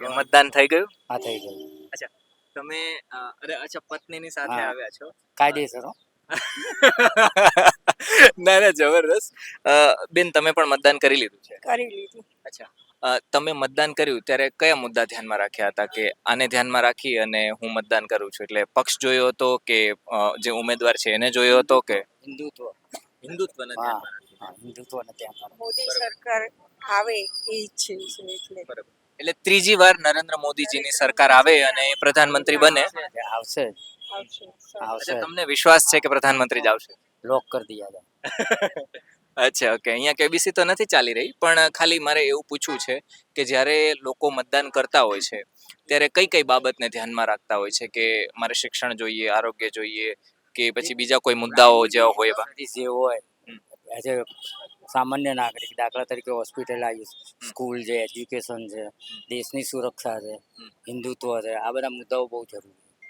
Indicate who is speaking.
Speaker 1: મતદાન થઈ ગયું?
Speaker 2: હા થઈ ગયું.
Speaker 1: અચ્છા તમે અચ્છા પત્નીની સાથે
Speaker 2: હા.
Speaker 1: આવ્યા છો?
Speaker 2: કાયદેસર હો.
Speaker 1: ના ના જબરદસ્ત. બેન તમે પણ મતદાન કરી લીધું છે?
Speaker 3: કરી લીધું.
Speaker 1: અચ્છા તમે મતદાન કર્યું ત્યારે કયા મુદ્દા ધ્યાનમાં રાખ્યા હતા કે આને ધ્યાનમાં રાખી અને હું મતદાન કરું છું? એટલે પક્ષ જોયો હતો કે જે ઉમેદવાર છે એને જોયો હતો કે
Speaker 2: હિન્દુત્વ.
Speaker 1: હિન્દુત્વને
Speaker 2: હા
Speaker 1: ધ્યાનમાં રાખ્યું?
Speaker 2: હા હિન્દુત્વને ધ્યાનમાં રાખી.
Speaker 3: મોદી
Speaker 1: બરાબર.
Speaker 3: સરકાર આવે એ ઈચ્છે છે એટલે
Speaker 1: બરાબર. એટલે ત્રીજી વાર નરેન્દ્ર મોદીજીની સરકાર આવે અને એ પ્રધાનમંત્રી બને.
Speaker 2: આવશે જ.
Speaker 3: આવશે.
Speaker 2: આવશે
Speaker 1: અચ્છા
Speaker 2: જ.
Speaker 1: તમને વિશ્વાસ છે કે પ્રધાનમંત્રી જ આવશે?
Speaker 2: લોક કરી દિયા હતા.
Speaker 1: અચ્છા ઓકે અહીંયા કેબીસી તો નથી ચાલી રહી પણ ખાલી મારે એવું પૂછવું છે કે જ્યારે લોકો મતદાન કરતા હોય છે ત્યારે કઈ કઈ બાબતને ધ્યાનમાં રાખતા હોય છે કે મારે શિક્ષણ જોઈએ, આરોગ્ય જોઈએ કે પછી બીજા કોઈ મુદ્દાઓ જેવા હોય એવા?
Speaker 2: જે હોય એઝ એ સામાન્ય નાગરિક દાખલા તરીકે હોસ્પિટલ આવી, સ્કૂલ છે, એજ્યુકેશન છે, દેશની સુરક્ષા છે, હિન્દુત્વ છે, આ બધા મુદ્દાઓ બહુ જરૂરી છે.